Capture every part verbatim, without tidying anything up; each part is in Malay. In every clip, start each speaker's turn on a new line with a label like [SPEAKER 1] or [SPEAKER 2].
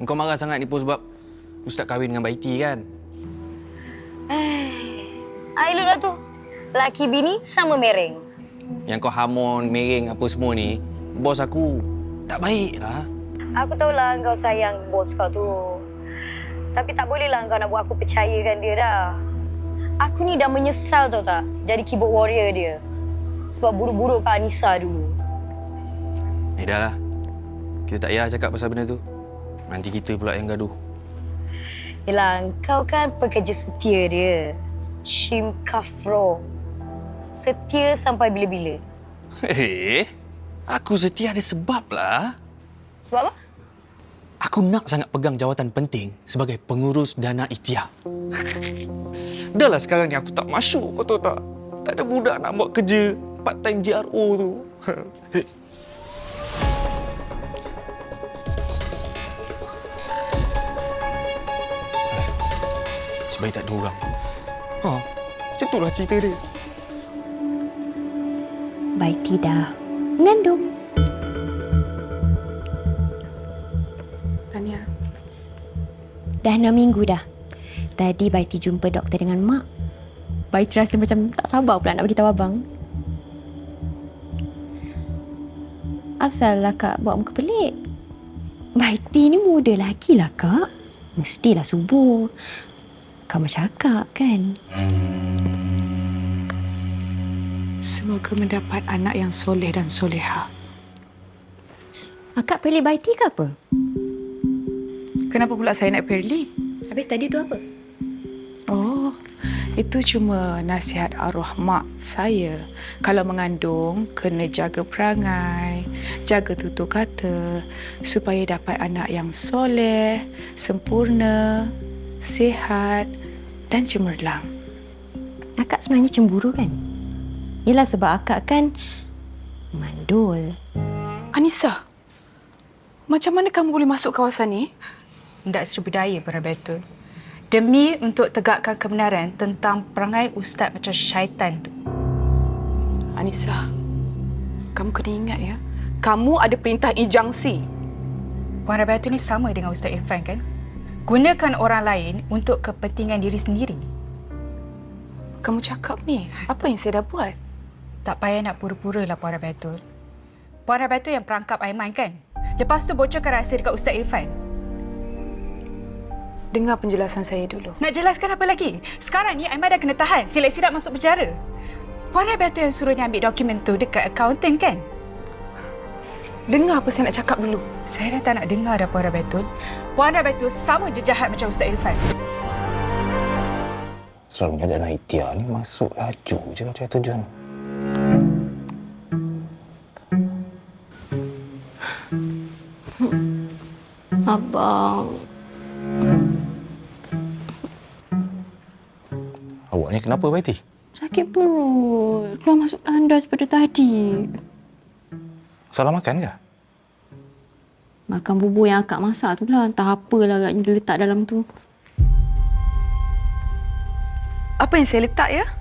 [SPEAKER 1] Engkau marah sangat ni pun sebab Ustaz kahwin dengan Baiti kan?
[SPEAKER 2] Eh, I lah tu. Laki bini sama mereng.
[SPEAKER 1] Yang kau hamon, mereng apa semua ni, bos aku tak baik lah.
[SPEAKER 2] Aku tahulah kau sayang bos kau tu. Tapi tak bolehlah kau nak buat aku percayakan dia dah. Aku ni dah menyesal tau tak jadi keyboard warrior dia. Sebab buruk-buruk Kak Anissa dulu.
[SPEAKER 1] Eh dah lah. Kita tak payah cakap pasal benda tu. Nanti kita pula yang gaduh.
[SPEAKER 2] Yelah, kau kan pekerja setia dia. Shim Kafro. Setia sampai bila-bila.
[SPEAKER 1] Eh, aku setia ada sebab lah.
[SPEAKER 2] Sebab apa?
[SPEAKER 1] Aku nak sangat pegang jawatan penting sebagai pengurus dana ikhtiar. Dah lah sekarang ni aku tak masuk, kau tahu tak? Tak ada budak nak buat kerja part time G R O tu. Sebaik tak ada orang. Ha, macam itulah cerita dia.
[SPEAKER 3] Baik tidak. Mengandung.
[SPEAKER 4] Tania.
[SPEAKER 3] Dah enam minggu dah. Tadi Baiti jumpa doktor dengan mak. Baiti rasa macam tak sabar pula nak beritahu abang. Apsalah kak buat muka pelik? Baiti ni muda lagi lah kak. Mestilah subur. Kau macam akak kan?
[SPEAKER 4] Semoga mendapat anak yang soleh dan soleha.
[SPEAKER 3] Akak pilih Baiti ke apa?
[SPEAKER 4] Kenapa pula saya nak pilih?
[SPEAKER 3] Habis tadi tu apa?
[SPEAKER 4] Oh, itu cuma nasihat arwah mak saya. Kalau mengandung, kena jaga perangai, jaga tutur kata, supaya dapat anak yang soleh, sempurna, sihat dan cemerlang.
[SPEAKER 3] Akak sebenarnya cemburu kan? Yelah sebab akak kan mandul.
[SPEAKER 4] Anissa, macam mana kamu boleh masuk kawasan ni?
[SPEAKER 5] Hendak Seri Budaya Barabetul. Demi untuk tegakkan kebenaran tentang perangai ustaz macam syaitan tu.
[SPEAKER 4] Anissa, kamu kena ingat ya, kamu ada perintah injangsi.
[SPEAKER 5] Puan Rabiatul ni sama dengan Ustaz Irfan kan? Gunakan orang lain untuk kepentingan diri sendiri.
[SPEAKER 4] Kamu cakap ni, apa yang saya dah buat?
[SPEAKER 5] Tak payah nak pura-pura lah Puan Rabiatul. Puan Rabiatul yang perangkap Aiman kan? Lepas tu bocorkan rahsia dekat Ustaz Irfan.
[SPEAKER 4] Dengar penjelasan saya dulu.
[SPEAKER 5] Nak jelaskan apa lagi? Sekarang ni Aiman dah kena tahan. Silap-silap masuk penjara. Puan Rabiatul yang suruh dia ambil dokumen tu dekat akaunten kan?
[SPEAKER 4] Dengar apa saya nak cakap dulu.
[SPEAKER 5] Saya dah tak nak dengar dah Puan Rabiatul. Puan Rabiatul sama je jahat macam Ustaz Irfan.
[SPEAKER 1] Selalunya dana ikhtiar ni masuk laju je lah cari tujuan.
[SPEAKER 3] Abang.
[SPEAKER 1] Awak ni kenapa, Baiti?
[SPEAKER 3] Sakit perut. Keluar masuk tandas pada tadi.
[SPEAKER 1] Salah makan ke?
[SPEAKER 3] Makan bubur yang akak masak tu lah. Entah apalah agaknya dia letak dalam tu.
[SPEAKER 4] Apa yang saya letak ya?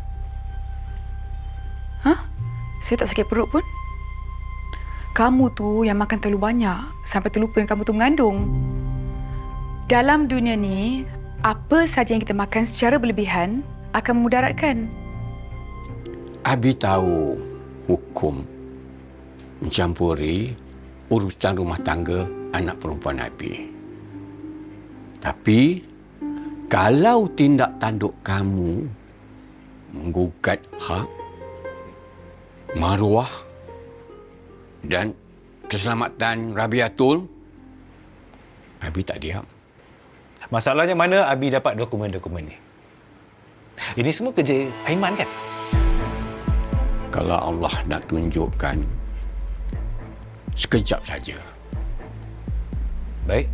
[SPEAKER 4] Hah? Saya tak sakit perut pun. Kamu tu yang makan terlalu banyak sampai terlupa yang kamu tu mengandung. Dalam dunia ni, apa saja yang kita makan secara berlebihan akan memudaratkan.
[SPEAKER 6] Abi tahu hukum mencampuri urusan rumah tangga anak perempuan Abi. Tapi kalau tindak tanduk kamu menggugat hak, maruah dan keselamatan Rabiatul, Abi tak diam.
[SPEAKER 7] Masalahnya mana Abi dapat dokumen-dokumen ni? Ini semua kerja Aiman kan?
[SPEAKER 6] Kalau Allah nak tunjukkan, sekejap saja.
[SPEAKER 7] Baik.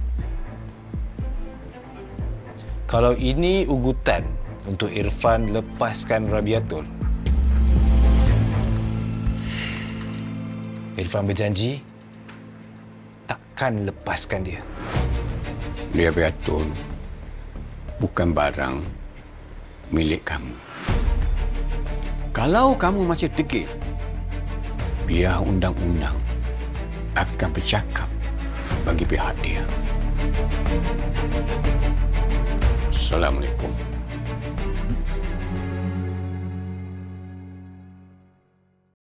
[SPEAKER 7] Kalau ini ugutan untuk Irfan lepaskan Rabiatul, Irfan berjanji takkan lepaskan dia.
[SPEAKER 6] Rabiatul bukan barang milik kamu. Kalau kamu masih degil, biar undang-undang akan bercakap bagi pihak dia. Assalamualaikum.